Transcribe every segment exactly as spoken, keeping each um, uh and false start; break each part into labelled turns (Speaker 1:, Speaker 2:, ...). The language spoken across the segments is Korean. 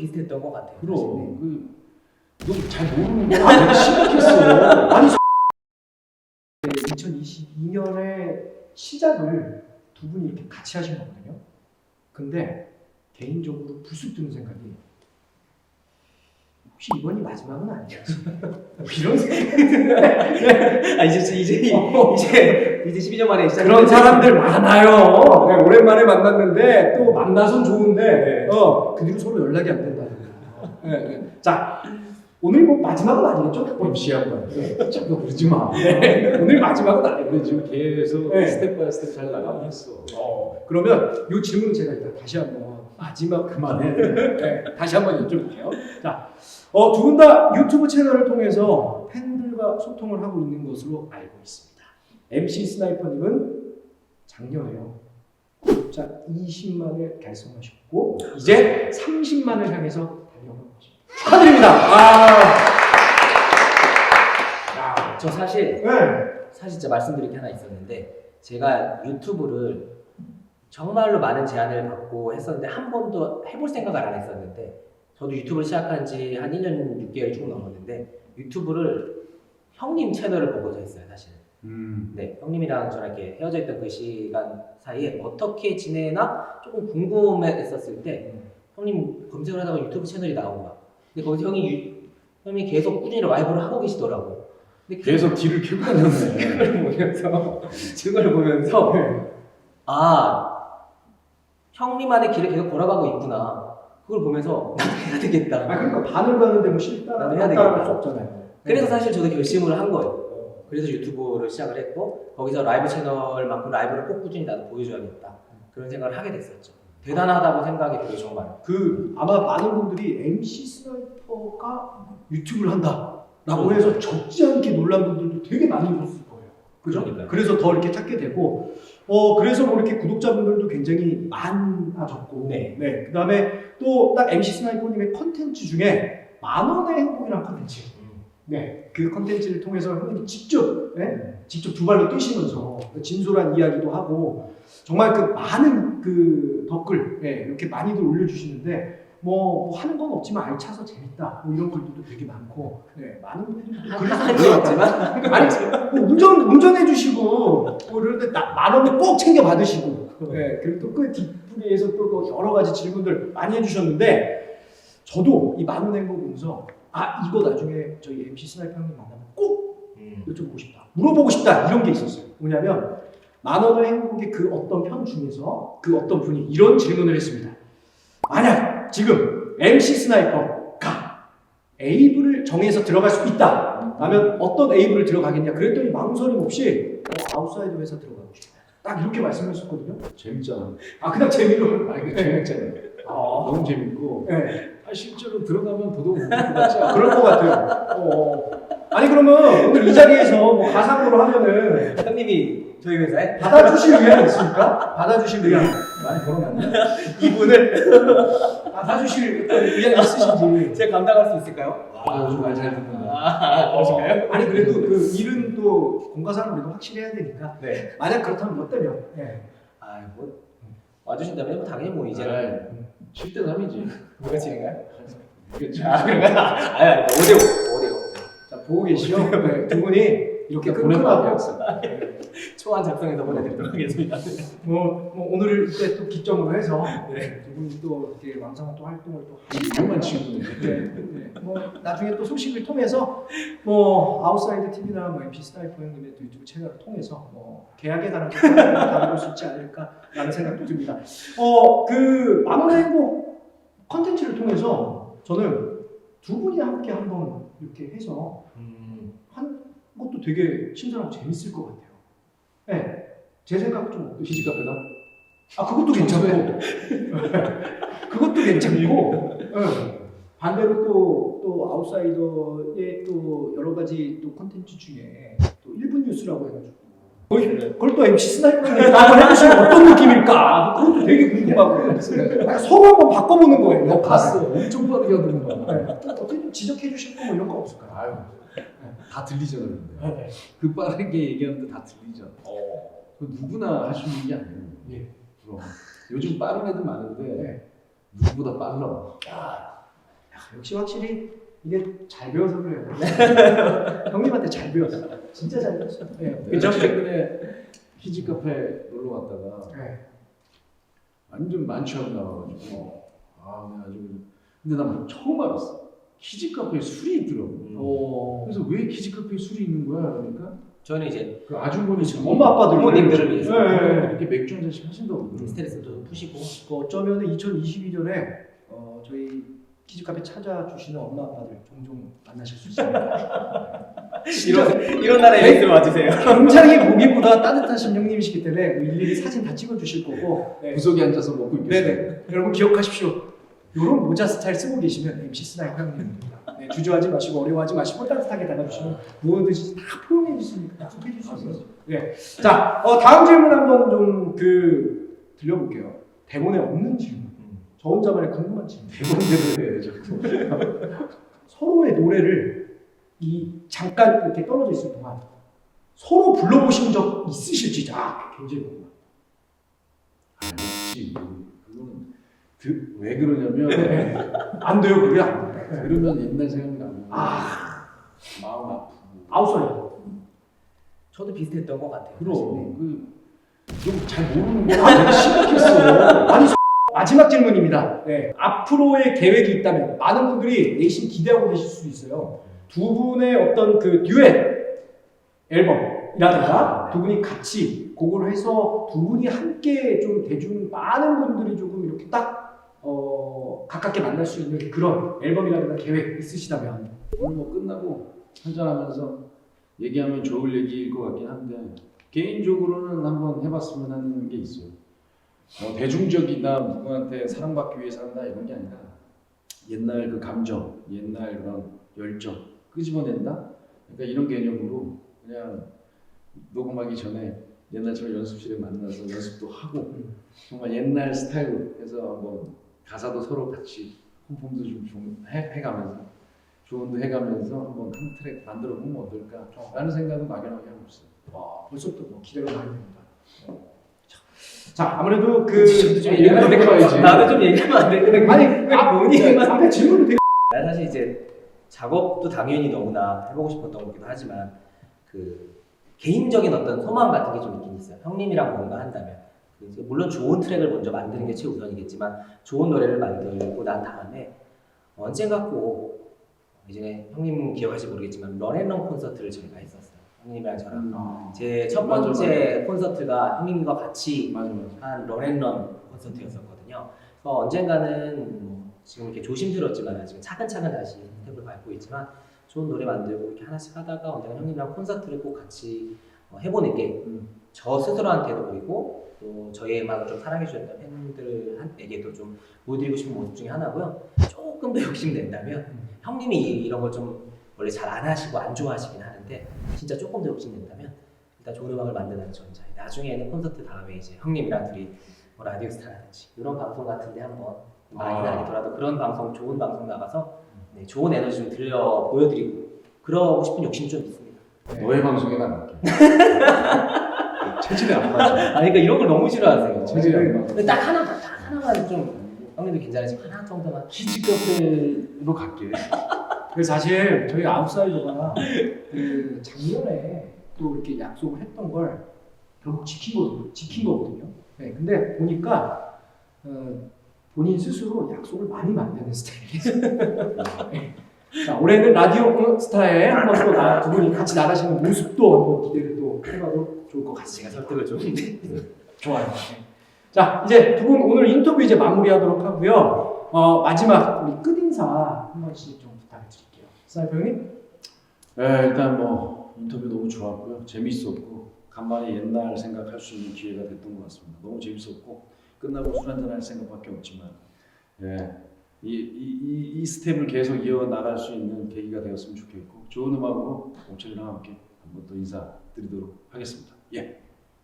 Speaker 1: 비슷했던 것 같아요.
Speaker 2: 그럼 그 너 잘 모르는 거야. 내가 심각했어. 아니 이천이십이 년에 시작을 두 분이 이렇게 같이 하신 거거든요. 근데 개인적으로 불쑥 드는 생각이 혹시 이번이 마지막은 아니겠지? 이런 생각이 드는데
Speaker 1: 아 이제 이제
Speaker 2: 어.
Speaker 1: 이제 이제 십이 년 만에 시작.
Speaker 2: 그런 사람들 많아요. 네, 오랜만에 만났는데 또 만나선 좋은데
Speaker 1: 네.
Speaker 2: 어, 그 뒤로 서로 연락이 안 된다. 네, 네. 자 오늘 뭐 마지막은 아니겠죠?
Speaker 3: 엠씨한 거. 자꾸 그러지 마.
Speaker 2: 네. 오늘 마지막은 아니에요.
Speaker 3: 근데 지금 계속
Speaker 2: 네.
Speaker 3: 스텝 바이 스텝 잘 나가고 있어.
Speaker 2: 어, 그러면 이 질문을 제가 일단 다시 한번 마지막
Speaker 3: 그만해.
Speaker 2: 네, 다시 한번 여쭤볼게요. 자, 어, 두 분 다 유튜브 채널을 통해서 팬들과 소통을 하고 있는 것으로 알고 있습니다. 엠씨 스나이퍼님은 작년에요. 구독자 이십만을 달성하셨고 이제 삼십만을 향해서 달려가고 있습니다. 축하드립니다. 아, 야,
Speaker 1: 저 사실
Speaker 2: 네.
Speaker 1: 사실 진짜 말씀드릴 게 하나 있었는데 제가 유튜브를 정말로 많은 제안을 받고 했었는데 한 번도 해볼 생각을 안 했었는데 저도 유튜브를 시작한 지 한 일 년 육 개월이 조금 넘었는데 유튜브를 형님 채널을 보고서 했어요 사실.
Speaker 3: 음.
Speaker 1: 네, 형님이랑 저랑 이렇게 헤어져 있던 그 시간 사이에 어떻게 지내나 조금 궁금했었을 때 형님 검색을 하다가 유튜브 채널이 나온 거야. 근데 거기서 형이 유, 형이 계속 꾸준히 라이브를 하고 계시더라고. 근데 그-
Speaker 3: 계속 뒤를 켜고 다녔네.
Speaker 1: 그걸 보면서 그걸 보면서 아 형님만의 길을 계속 걸어가고 있구나. 그걸 보면서 나도 해야 되겠다.
Speaker 2: 아 그러니까 반을 가는데 뭐 싫다
Speaker 1: 나도 해야
Speaker 2: 따라갈
Speaker 1: 되겠다.
Speaker 2: 수 없잖아요.
Speaker 1: 그래서 사실 저도 결심을 한 거예요. 그래서 유튜브를 시작을 했고 거기서 라이브 채널만큼 라이브를 꼭 꾸준히 나도 보여줘야겠다. 그런 생각을 하게 됐었죠. 대단하다고 생각이 들어요 정말.
Speaker 2: 그 아마 많은 분들이 엠씨 스나이퍼가 유튜브를 한다라고 해서 적지 않게 놀란 분들도 되게 많으셨을 거예요. 그죠?
Speaker 1: 그러니까요.
Speaker 2: 그래서 더 이렇게 찾게 되고 어 그래서 뭐 이렇게 구독자분들도 굉장히 많아졌고
Speaker 1: 네.
Speaker 2: 네. 그다음에 또 딱 엠씨 스나이퍼님의 컨텐츠 중에 만 원의 행복이라는 컨텐츠. 네, 그 컨텐츠를 통해서 형님이 직접, 네? 직접 두 발로 뛰시면서 진솔한 이야기도 하고 정말 그 많은 그 댓글 네, 이렇게 많이들 올려주시는데 뭐, 뭐 하는 건 없지만 알차서 재밌다 뭐 이런 글들도 되게 많고 네, 많은 분들이
Speaker 1: 하는 건 없지만
Speaker 2: 아니 뭐 운전 운전해 주시고 뭐 이런데 만 원을 꼭 챙겨 받으시고 네, 그리고 또 그 뒷부분에서 또 뭐 여러 가지 질문들 많이 해주셨는데 저도 이 만 원 행복 보면서 아 이거 나중에 저희 엠씨 스나이퍼 형님 만나면 꼭
Speaker 1: 음.
Speaker 2: 여쭤보고 싶다 물어보고 싶다 이런 게 있었어요. 뭐냐면 만 원의 행복의 그 어떤 편 중에서 그 어떤 분이 이런 질문을 했습니다. 만약 지금 엠씨 스나이퍼가 에이블을 정해서 들어갈 수 있다 라면 어떤 에이블을 들어가겠냐 그랬더니 망설임 없이 어, 아웃사이드 회사 들어가고 싶다 딱 이렇게 말씀하셨거든요.
Speaker 3: 재밌잖아.
Speaker 2: 아 그냥 재미로
Speaker 3: 아 이거 재밌잖아.
Speaker 2: 아,
Speaker 3: 너무 재밌고.
Speaker 2: 네.
Speaker 3: 아 실제로 들어가면 더더욱 웃을 것 같지 않아?
Speaker 2: 그럴 것 같아요. 어. 아니 그러면 오늘 이 자리에서 뭐 가상으로 하면은
Speaker 1: 형님이 저희 회사에
Speaker 2: 받아주실 의향 있습니까? 받아주실 의향
Speaker 3: 많이 벌어놨네.
Speaker 1: 이분을
Speaker 2: 받아주실 의향 있으신지.
Speaker 1: 제가 감당할 수 있을까요?
Speaker 3: 아 요즘 말 잘 듣는다.
Speaker 1: 아 그러실까요?
Speaker 2: 아니 그래도 그 일은 또 공과사를 우리가 확실히 해야 되니까
Speaker 1: 네.
Speaker 2: 만약 그렇다면 뭐 때면 예.
Speaker 1: 아뭐 와주신다면 뭐 당연히 뭐 이제는
Speaker 3: 칠 대 삼이지.
Speaker 1: 누가 치는가요?
Speaker 3: 그렇지.
Speaker 1: 아 그런가요? 아니 오 대 오, 오 대 오.
Speaker 2: 자 보고 계시죠? 네, 두 분이 이렇게
Speaker 3: 보내봐.
Speaker 2: 끈끈하고
Speaker 1: 초안 작성해서 보내드리도록 하겠습니다.
Speaker 2: 뭐, 뭐 오늘을 이때 또 기점으로 해서
Speaker 1: 네.
Speaker 2: 두 분이 또 이렇게 왕성한 또 활동을 또
Speaker 3: 유명한 친구네.
Speaker 2: 네, 네. 뭐 나중에 또 소식을 통해서 뭐 아웃사이드 티비나 뭐 엠씨 스나이퍼 형님의 또 유튜브 채널을 통해서 뭐 계약에 관한 것을 다룰 수 있지 않을까라는 생각도 듭니다. 어그 만원의 행복 컨텐츠를 통해서 저는 두 분이 함께 한번 이렇게 해서
Speaker 1: 음.
Speaker 2: 한 것도 되게 신선하고 재밌을 것 같아요. 네, 제 생각 좀 어떠시죠?
Speaker 3: 피지 카페다.
Speaker 2: 아 그것도 괜찮고 그것도 괜찮고 네. 반대로 또, 또 아웃사이더의 또 여러 가지 또 컨텐츠 중에 또 일 분 뉴스라고 해가지고 그걸, 그걸 또 엠씨 스나이퍼님이 한번 해보시면 어떤 느낌일까 그것도 되게 궁금하고 서로 한번 바꿔보는 거예요.
Speaker 3: 너 봤어. 엄청 빠르게 하더니
Speaker 2: 네. 어떻게 좀 지적해 주실 거 뭐 이런 거 없을까요?
Speaker 3: 아유. 다 들리잖아 근데.
Speaker 2: 네.
Speaker 3: 그 빠르게 얘기하는데 다 들리잖아.
Speaker 2: 어.
Speaker 3: 그 누구나 할 수 있는 게 아니에요.
Speaker 2: 예.
Speaker 3: 그럼 요즘 빠른 애들 많은데
Speaker 2: 네.
Speaker 3: 누구보다 빨라.
Speaker 2: 야, 역시 확실히 이게 잘 배워서 그래요. 형님한테 잘 배웠어. 진짜 잘 배웠어. 네.
Speaker 3: 그죠? 최근에 키즈 카페 놀러 갔다가
Speaker 2: 네.
Speaker 3: 완전 만취하고 나와가지고 아 그냥 아주 그냥- 근데 난 처음 알았어. 키즈 카페에 술이 있더라고.
Speaker 1: 음.
Speaker 2: 어,
Speaker 3: 그래서 왜 키즈 카페에 술이 있는 거야? 그러니까
Speaker 1: 저는 이제
Speaker 3: 그 아주머니 참
Speaker 2: 엄마 아빠들
Speaker 1: 부모님들을 위해서
Speaker 2: 네, 네, 네.
Speaker 3: 이렇게 맥주 한 잔씩 하신다고 그러더라고.
Speaker 1: 스트레스도 푸시고
Speaker 2: 그 어쩌면 이천이십이 년에 어, 저희 키즈카페 찾아주시는 엄마 아빠들 종종 만나실 수 있습니다.
Speaker 1: 이런 이런 나라에 있으면 와주세요.
Speaker 2: 굉장히 보기보다 따뜻하신 형님이시기 때문에 일일이 사진 다 찍어주실 거고. 네.
Speaker 3: 구석에 앉아서 먹고 있겠어요.
Speaker 2: 네네. 여러분 기억하십시오. 이런 모자 스타일 쓰고 계시면 엠씨 스나이 형님입니다. 네, 주저하지 마시고 어려워하지 마시고 따뜻하게 다가주시면 뭐든지 다 포용해 주시니까 약속해 주시면 네. 자, 어, 다음 질문 한번 좀 그 들려볼게요. 대본에 없는 질문. 저 혼자만의 궁금한 질문.
Speaker 3: 대본대로 해야죠.
Speaker 2: 서로의 노래를 이 잠깐 이렇게 떨어져 있을 동안 서로 불러보신 적 있으실지 아 굉장히 궁금해요.
Speaker 3: 아, 역시 그거는 그, 왜 그러냐면
Speaker 2: 네. 안 돼요 그게 안 돼요.
Speaker 3: 들으면 옛날 생각나고
Speaker 2: 아
Speaker 3: 마음 아프고
Speaker 2: 아웃사이더.
Speaker 1: 저도 비슷했던 것 같아요.
Speaker 3: 그럼 그좀 잘 모르는 거야. 되게 심각했어.
Speaker 2: 아니 마지막 질문입니다. 네. 앞으로의 계획이 있다면 많은 분들이 내심 기대하고 계실 수도 있어요. 두 분의 어떤 그 듀엣 앨범이라든가 두 분이 같이 곡을 해서 두 분이 함께 좀 대중 많은 분들이 조금 이렇게 딱 어, 가깝게 만날 수 있는 그런 앨범이라든가 계획 있으시다면
Speaker 3: 오늘 뭐 끝나고 한잔하면서 얘기하면 좋을 얘기일 것 같긴 한데 개인적으로는 한번 해봤으면 하는 게 있어요. 어, 대중적이나 누구한테 사랑받기 위해서 한다 이런 게 아니라 옛날 그 감정, 옛날 그런 열정 끄집어낸다? 그러니까 이런 개념으로 그냥 녹음하기 전에 옛날처럼 연습실에 만나서 연습도 하고 정말 옛날 스타일로 해서 한번 가사도 서로 같이 홈폼도 좀, 좀 해, 해가면서 조언도 해가면서 한번 한 트랙 만들어 보면 어떨까 라는 생각은 막연하게 하고 있어요.
Speaker 2: 와, 벌써부터 뭐 기대가 많이 됩니다. 자, 아무래도 그
Speaker 1: 저도 좀
Speaker 2: 얘기를
Speaker 1: 얘기하면 안 될까
Speaker 3: 해봐야지.
Speaker 1: 나도 좀 얘기하면 안 될까
Speaker 2: 아니,
Speaker 1: 왜
Speaker 2: 아,
Speaker 1: 본인만
Speaker 2: 앞에 질문을 되게
Speaker 1: 난 사실 이제 작업도 당연히 너무나 해보고 싶었던 거기도 하지만 그 개인적인 어떤 소망 같은 게 좀 있긴 있어요. 형님이랑 뭔가 한다면 그 이제 물론 좋은 트랙을 먼저 만드는 게 최우선이겠지만 좋은 노래를 만들고 난 다음에 언젠가 꼭 이제 형님 기억하실지 모르겠지만 런앤런 콘서트를 저희가 했었어요. 형님이랑 저랑
Speaker 3: 음.
Speaker 1: 제 첫
Speaker 3: 맞아,
Speaker 1: 번째 콘서트가 형님과 같이
Speaker 3: 맞아 맞아.
Speaker 1: 한 런앤런 콘서트였었거든요. 그래서 언젠가는 뭐 지금 이렇게 조심스럽지만 아직 차근차근 다시 스텝을 밟고 있지만 좋은 노래 만들고 이렇게 하나씩 하다가 언젠가 형님이랑 콘서트를 꼭 같이 어, 해보는 게 저 스스로한테도 그리고 또 저희 음악을 좀 사랑해 주셨던 팬들에게도 좀 보여드리고 싶은 모습 중에 하나고요. 조금 더 욕심낸다면 형님이 이런 걸 좀 원래 잘 안 하시고 안 좋아하시긴 하는데 진짜 조금 더 욕심낸다면 일단 좋은 음악을 만드는 전자에 나중에는 콘서트 다음에 이제 형님이랑 둘이 뭐 라디오 스타라든지 이런 방송 같은데 한번 많이
Speaker 3: 아.
Speaker 1: 나더라도 그런 방송 좋은 방송 나가서 네, 좋은 에너지 좀 들려 보여드리고 그러고 싶은 욕심 좀 있습니다.
Speaker 3: 너의 방송에 나갈게. 체질이 안 맞아.
Speaker 1: 아 그러니까 이런 걸 너무 싫어하세요.
Speaker 3: 체질이 안 맞아.
Speaker 1: 근데 딱 하나 딱 하나만 좀 형님도 괜찮으시고 하나 정도만
Speaker 3: 키즈 카페로 갈게.
Speaker 2: 그래서 사실 저희 아웃사이더가 그 작년에 또 이렇게 약속을 했던 걸 결국 지킨 거 지킨 거거든요. 네, 근데 보니까 어, 본인 스스로 약속을 많이 만드는 스타일이에요. 네. 자, 올해는 라디오 스타에 한번 또 나, 두 분이 같이 나가시는 모습도 한번 기대를 또 해봐도 좋을 것
Speaker 1: 제가
Speaker 2: 같습니다.
Speaker 1: 설득을 좀
Speaker 2: 좋아요. 네. 자, 이제 두 분 오늘 인터뷰 이제 마무리하도록 하고요. 어, 마지막 우리 끝인사 한 번씩 좀 부탁드릴게요. 사이버 형님?
Speaker 3: 네, 일단 뭐 인터뷰 너무 좋았고요. 재밌었고 간만에 옛날 생각할 수 있는 기회가 됐던 것 같습니다. 너무 재밌었고 끝나고 술 한잔 할 생각밖에 없지만 예, 이, 이, 이, 이 스텝을 계속 이어나갈 수 있는 계기가 되었으면 좋겠고 좋은 음악으로 옥철이랑 함께 한번 또 인사드리도록 하겠습니다. 예.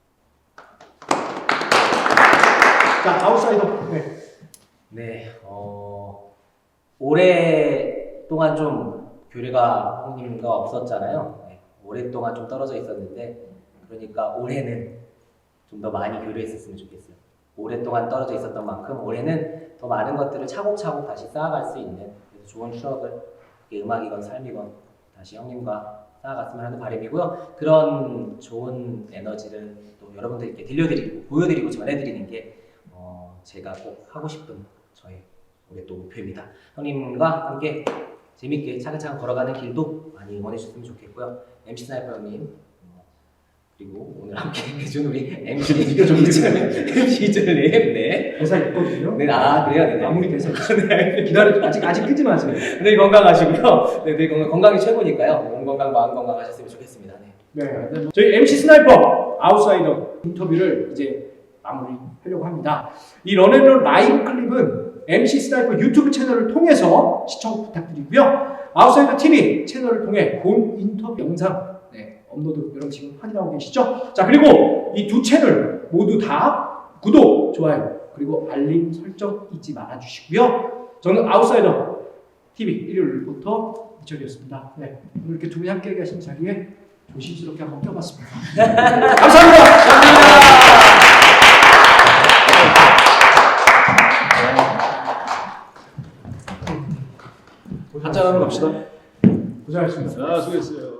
Speaker 2: 자, 아웃사이더. 네.
Speaker 1: 네, 어, 오랫동안 좀 교류가 형님과 없었잖아요. 네, 오랫동안 좀 떨어져 있었는데, 그러니까 올해는 좀 더 많이 교류했었으면 좋겠어요. 오랫동안 떨어져 있었던 만큼 올해는 더 많은 것들을 차곡차곡 다시 쌓아갈 수 있는 그래서 좋은 추억을 이게 음악이건 삶이건 다시 형님과 쌓아갔으면 하는 바람이고요. 그런 좋은 에너지를 또 여러분들께 들려드리고 보여드리고 전해드리는 게 어, 제가 꼭 하고 싶은 저의 올해 또 목표입니다. 형님과 함께 재밌게 차근차근 걸어가는 길도 많이 응원해 주셨으면 좋겠고요. 엠씨 스나이퍼 형님 어, 그리고 오늘 함께 해준 우리 엠씨 엠씨 이절님 네.
Speaker 2: 대사 있거든요.
Speaker 1: 네, 아 그래요? 네, 네.
Speaker 2: 마무리 대사 있어요. 기다려 아직 아직 끄지 마세요.
Speaker 1: 늘 건강하시고요. 네, 늘 건강, 건강이 최고니까요. 몸 건강, 마음 건강하셨으면 좋겠습니다. 네.
Speaker 2: 네. 저희 엠씨 스나이퍼 아웃사이더 인터뷰를 이제 마무리하려고 합니다. 이 런앤런 라이브 클립은 엠씨 스나이퍼 유튜브 채널을 통해서 시청 부탁드리고요. 아웃사이더 티비 채널을 통해 본 인터뷰 영상 네, 업로드 여러분 지금 확인하고 계시죠? 자 그리고 이 두 채널 모두 다 구독, 좋아요 그리고 알림 설정 잊지 말아 주시고요. 저는 아웃사이더 티비 일요일부터 이철이었습니다. 네, 오늘 이렇게 두 분이 함께 계신 자리에 조심스럽게 한번 껴봤습니다. 감사합니다. 한잔하러 갑시다. 고생하셨습니다.
Speaker 3: 아, 수고했어요.